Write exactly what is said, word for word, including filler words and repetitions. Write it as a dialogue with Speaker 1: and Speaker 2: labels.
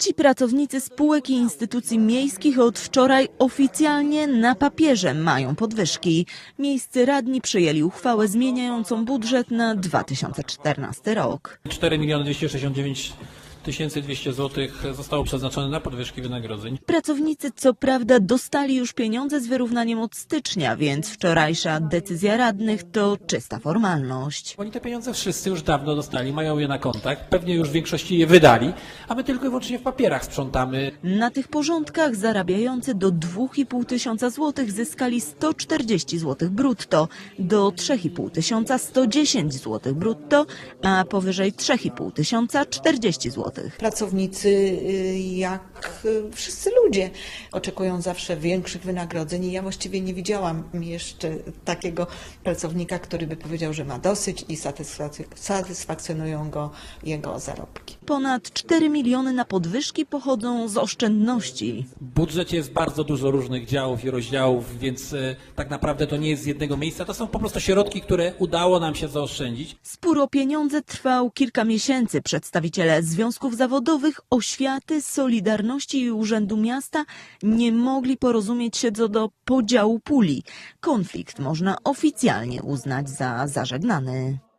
Speaker 1: Ci pracownicy spółek i instytucji miejskich od wczoraj oficjalnie na papierze mają podwyżki. Miejscy radni przyjęli uchwałę zmieniającą budżet na dwa tysiące czternasty rok.
Speaker 2: cztery miliony dwieście sześćdziesiąt dziewięć tysięcy dwieście złotych zostało przeznaczone na podwyżki wynagrodzeń.
Speaker 1: Pracownicy co prawda dostali już pieniądze z wyrównaniem od stycznia, więc wczorajsza decyzja radnych to czysta formalność.
Speaker 2: Oni te pieniądze wszyscy już dawno dostali, mają je na kontach, pewnie już w większości je wydali, a my tylko i wyłącznie w papierach sprzątamy.
Speaker 1: Na tych porządkach zarabiający do dwóch i pół tysiąca złotych zyskali sto czterdzieści złotych brutto, do trzech i pół tysiąca sto dziesięć złotych brutto, a powyżej trzech i pół tysiąca czterdzieści złotych.
Speaker 3: Pracownicy, jak wszyscy ludzie, oczekują zawsze większych wynagrodzeń i ja właściwie nie widziałam jeszcze takiego pracownika, który by powiedział, że ma dosyć i satysfakcjonują go jego zarobki.
Speaker 1: Ponad cztery miliony na podwyżki pochodzą z oszczędności.
Speaker 2: W budżecie jest bardzo dużo różnych działów i rozdziałów, więc e, tak naprawdę to nie jest z jednego miejsca. To są po prostu środki, które udało nam się zaoszczędzić.
Speaker 1: Spór o pieniądze trwał kilka miesięcy. Przedstawiciele związków zawodowych, oświaty, Solidarności i Urzędu Miasta nie mogli porozumieć się co do podziału puli. Konflikt można oficjalnie uznać za zażegnany.